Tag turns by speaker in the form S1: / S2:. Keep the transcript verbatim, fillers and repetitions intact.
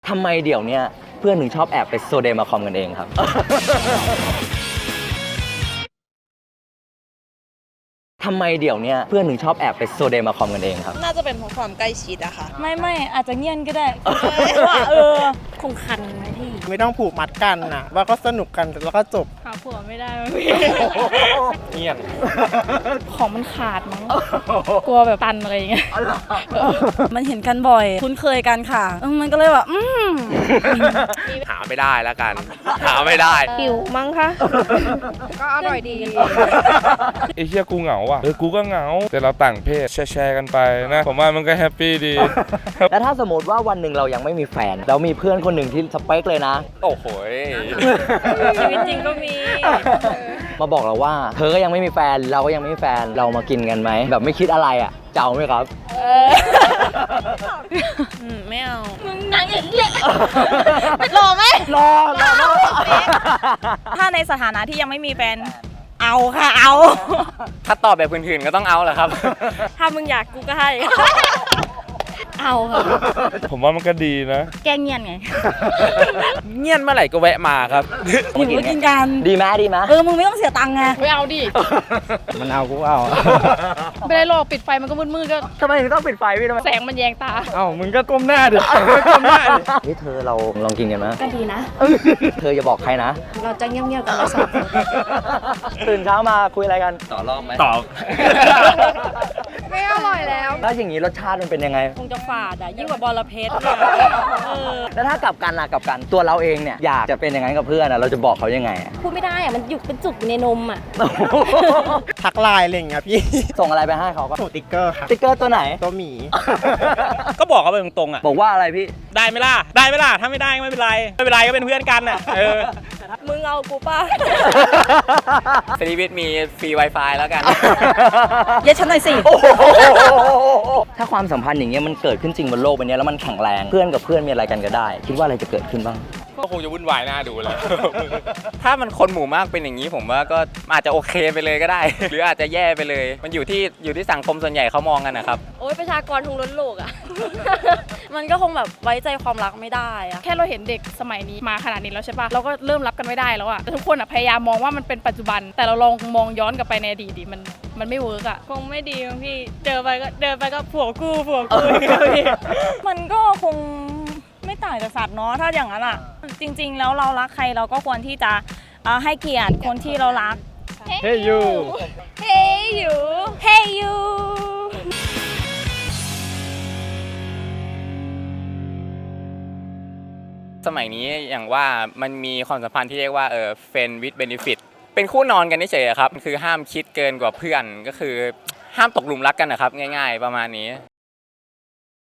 S1: ทำไมเดี๋ยวเนี้ยเพื่อนถึงชอบแอบไปโซเดมาคอมกันเองครับ ทำไมเดี๋ยวเนี้ยเพื่อนถึงชอบแอบไปโซเดมาคอมกันเองครับ
S2: น่าจะเป็นเพราะความใกล้ชิดอะค่ะ
S3: ไม่ไม่อาจจะเงียนก็ได้ว่าเออคงคันไหมพี่
S4: ไม่ต้องผูกมัดกันนะว่าก็สนุกกันแล้วก็จบ
S3: หาผัวไม่ได้มั้งพี่
S1: เงียบ
S3: ของมันขาดมั้งกลัวแบบตันอะไรอย่างเงี้ยมันเห็นกันบ่อย คุ้นเคยกันค่ะเออมันก็เลยแบบอืม
S5: หาไม่ได้แล้วกัน หาไม่ได้
S2: หิวมั้งคะ ก็อร่อยดี
S6: ไอ้เหี้ยกูเหงาว่ะเออกูก็เหงาแต่เราต่างเพศแชร์ๆกันไปนะผมว่ามันก็แฮปปี้ดี
S1: แล้วถ้าสมมติว่าวันหนึ่งเรายังไม่มีแฟนแล้วมีเพื่อนคนหนึ่งที่สเปคเลยนะ
S5: โอ้โห
S3: ชีวิตจริงก็มี
S1: มาบอกเราว่าเธอก็ยังไม่มีแฟนเราก็ยังไม่มีแฟนเรามากินกันไหมแบบไม่คิดอะไรอ่ะเจ้าไหมครับ
S3: อืมไม่เอา
S2: มึงนางอย่างเงี้ยรอไหม
S1: รอรอรอ
S3: ถ้าในสถานะที่ยังไม่มีแฟนเอาค่ะเอา
S5: ถ้าตอบแบบพื้นๆก็ต้องเอาแหละครับ
S3: ถ้ามึงอยากกูก็ให้ เอาค่ะ
S6: ผมว่ามันก็ดีนะ
S3: แกล้งเงียนไง
S5: เงียนเมื่อไหร่ก็แวะมาครับ
S3: หิวก็กินกัน
S1: ดีไหมดีไหม
S3: เออมึงไม่ต้องเสียตังค์ไง
S7: ไม่เอาดิ
S4: มันเอากูเอา
S7: ไม่ได้หรอกปิดไฟมันก็มืดๆก็
S1: ทำไมถึงต้องปิดไฟพี่ทำไม
S7: แสงมันแยงตา
S4: เอ้ามึงก็ก้มหน้าดิก้มหน้าดิ
S1: นี่เธอเราลองกินกันไหม
S3: ก็ดีนะ
S1: เธออย่าบอกใครนะ
S3: เราจะเงียบๆกันเราสองคน
S1: ตื่นเช้ามาคุยอะไรกันต่อรอบไหม
S6: ตอบ
S2: ไม่อร่อยแล้ว
S1: แล้วอย่างนี้รสชาติมันเป็นยังไง
S3: คงจะฝาดอ่ะยิ่งกว่าบอระเพ็ดเออ
S1: แล้วถ้ากลับกันล่ะกลับกันตัวเราเองเนี่ยอยากจะเป็นอย่างนั้นกับเพื่อนอะเราจะบอกเขายังไงอะ
S3: พูดไม่ได้อ่ะมันอยู่เป็นจุกอยู่ในนมอ่ะ
S4: ทักไลน์อะไรอย่างเงี้ยพี่
S1: ส่งอะไรไปให้เขาก็
S4: ส่งติ๊กเกอร์ค่ะ
S1: สติ๊กเกอร์ตัวไหน
S4: ตัวหมี
S5: ก็บอกเขาไปตรงๆอ่ะ
S1: บอกว่าอะไรพี่
S5: ได้ไหมล่ะ ได้ไหมล่ะ ถ้าไม่ได้ก็ไม่เป็นไร ไม่เป็นไรก็เป็นเพื่อนกันอ่ะ เออ
S3: มึงเอากูป่ะ
S5: สลีวิทมีฟรี Wi-Fi แล้วกัน
S3: เย็ดฉันหน่อยสิ
S1: ถ้าความสัมพันธ์อย่างเงี้ยมันเกิดขึ้นจริงบนโลกใบนี้แล้วมันแข็งแรงเพื่อนกับเพื่อนมีอะไรกันก็ได้ คิดว่าอะไรจะเกิดขึ้นบ้าง
S5: ก็คงจะวุ่นวายน่าดูแล้ว ถ้ามันคนหมู่มากเป็นอย่างนี้ผมว่าก็อาจจะโอเคไปเลยก็ได้ หรืออาจจะแย่ไปเลย มันอยู่ที่อยู่ที่สังคมส่วนใหญ่เขามองกันนะครับ
S3: โอ้ยประชากรทุงล้นโลกอ่ะ มันก็คงแบบไว้ใจความรักไม่ได้อ่ะ
S7: แค่เราเห็นเด็กสมัยนี้มาขนาดนี้แล้วใช่ปะเราก็เริ่มรับกันไม่ได้แล้วอะแต่ทุกคนอะพยายามมองว่ามันเป็นปัจจุบัน แต่เราลองมองย้อนกลับไปในอดีตดิมันมันไม่เวิร์กอะ
S3: คงไม่ดีมั้งพี่ เจอไปก็เดินไปก็ผัวกูผัวกูอย่างเงี้ยพี่ มันก็คงไม่ต่างจากสัตว์เนาะถ้าอย่างนั้นอ่ะ จริง ๆ แล้วเรารักใครเราก็ควรที่จะเอ่อให้เกียรติคนที่เรารัก
S4: เฮ้ยยู
S3: Hey you Hey you
S5: สมัยนี้อย่างว่ามันมีความสัมพันธ์ที่เรียกว่าเออ friend with benefit เป็นคู่นอนกันเฉยๆครับคือห้ามคิดเกินกว่าเพื่อนก็คือห้ามตกหลุมรักกันนะครับง่ายๆประมาณนี้